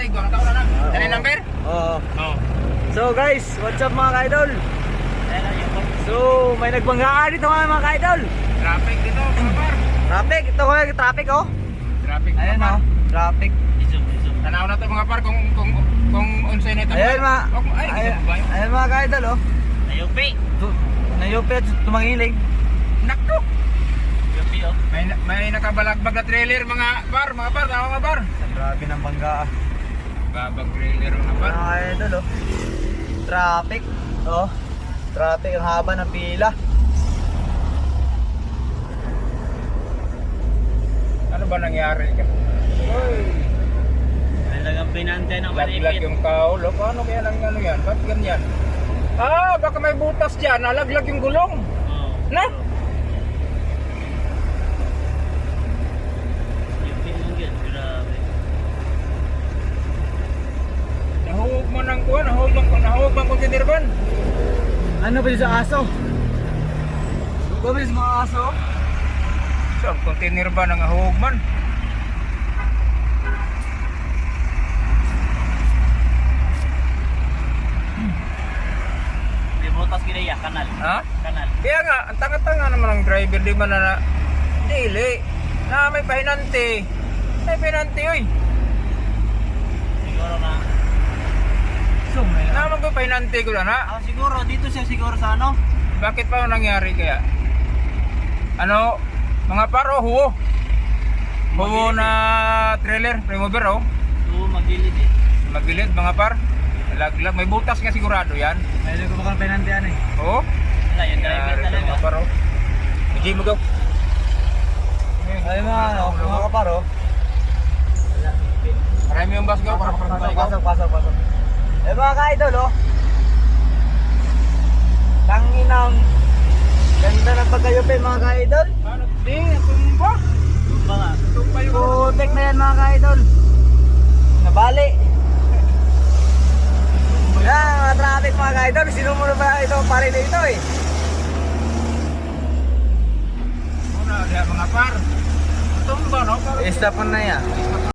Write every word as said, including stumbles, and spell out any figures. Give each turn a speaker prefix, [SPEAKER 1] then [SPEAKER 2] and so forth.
[SPEAKER 1] Igo. Ang taon na lang. Ano yung number?
[SPEAKER 2] Oo.
[SPEAKER 1] Oo.
[SPEAKER 2] So guys, what's up mga ka-idol? So, may nagbanggaan dito mga mga ka-idol.
[SPEAKER 1] Traffic dito, mga par.
[SPEAKER 2] Traffic, ito ko yung traffic oh.
[SPEAKER 1] Traffic, mga
[SPEAKER 2] Ayan
[SPEAKER 1] par.
[SPEAKER 2] oh, traffic.
[SPEAKER 1] Tanaw na to mga par kung kung kung unsay nito.
[SPEAKER 2] Ayan mga,
[SPEAKER 1] Ay,
[SPEAKER 2] ayan,
[SPEAKER 1] ba yun?
[SPEAKER 2] ayan mga ka-idol oh.
[SPEAKER 3] Ayupi.
[SPEAKER 2] Tu- Nayupi at tumangilig.
[SPEAKER 1] Nakto.
[SPEAKER 3] Ayupi oh.
[SPEAKER 1] May may nakabalagbag na trailer mga par, mga par, tama mga par.
[SPEAKER 2] Grabe ng bangga ah.
[SPEAKER 1] Babag trailer mga par.
[SPEAKER 2] Mga ka-idol oh. Traffic oh. Traffic, ang haba ng pila.
[SPEAKER 1] Ano ba nangyari ka? Oy,
[SPEAKER 3] Talagang pinantay ng
[SPEAKER 1] laglag
[SPEAKER 3] malipit.
[SPEAKER 1] yung kaulo. Paano kaya lang ano yan? Ba't ganyan? Ah, baka may butas dyan. Nalaglag yung gulong.
[SPEAKER 3] Oo.
[SPEAKER 1] Na?
[SPEAKER 3] Ayupi lang yun. Grabe.
[SPEAKER 1] Nahuwag mo ng kuwan. Nahuwag mo nahuwag mo container van.
[SPEAKER 2] Ano ba yun sa aso? Gomez mga aso?
[SPEAKER 1] So, ang container van ang nahuwag man.
[SPEAKER 3] Di butas kinaya. Kanal.
[SPEAKER 1] Ha?
[SPEAKER 3] Kanal.
[SPEAKER 1] Kaya nga, ang tanga-tanga naman ang driver. Di ba na na... Dili. Na may pahinante. May pahinante, oy.
[SPEAKER 3] Siguro na.
[SPEAKER 2] So, may
[SPEAKER 1] Na magpapahinante ko lang, ha?
[SPEAKER 3] Ah, siguro. Dito siya siguro sa ano?
[SPEAKER 1] Bakit pa nangyari kaya? Ano, mga paro, huwo. Huwo na trailer, remover, oh.
[SPEAKER 3] Oo, magilid eh.
[SPEAKER 1] Magbilid, mga par. Laglag, may butas nga sigurado yan.
[SPEAKER 2] May ko baka pinantian eh.
[SPEAKER 1] Oo.
[SPEAKER 3] Wala, yung driver
[SPEAKER 1] Nangyari to,
[SPEAKER 3] talaga.
[SPEAKER 1] mga paro. Hindi mo gaw.
[SPEAKER 2] Ay mga ano, mga kaparo.
[SPEAKER 1] Marami yung bus gaw, para
[SPEAKER 2] Pasok,
[SPEAKER 1] para
[SPEAKER 2] pasok,
[SPEAKER 1] gaw.
[SPEAKER 2] pasok, pasok, pasok. Eh mga ka-idol oh. Tanginang ganda ng pagkayupi mga ka-idol.
[SPEAKER 1] Ano, di, tumba.
[SPEAKER 3] Tumba nga.
[SPEAKER 1] Tumba yung...
[SPEAKER 2] Putek na yan mga ka-idol. Nabali. Yan mga traffic mga ka-idol. Sinumulo pa ito pare na ito eh.
[SPEAKER 1] Una, mga par. Tumba, no?
[SPEAKER 2] Stop na yan.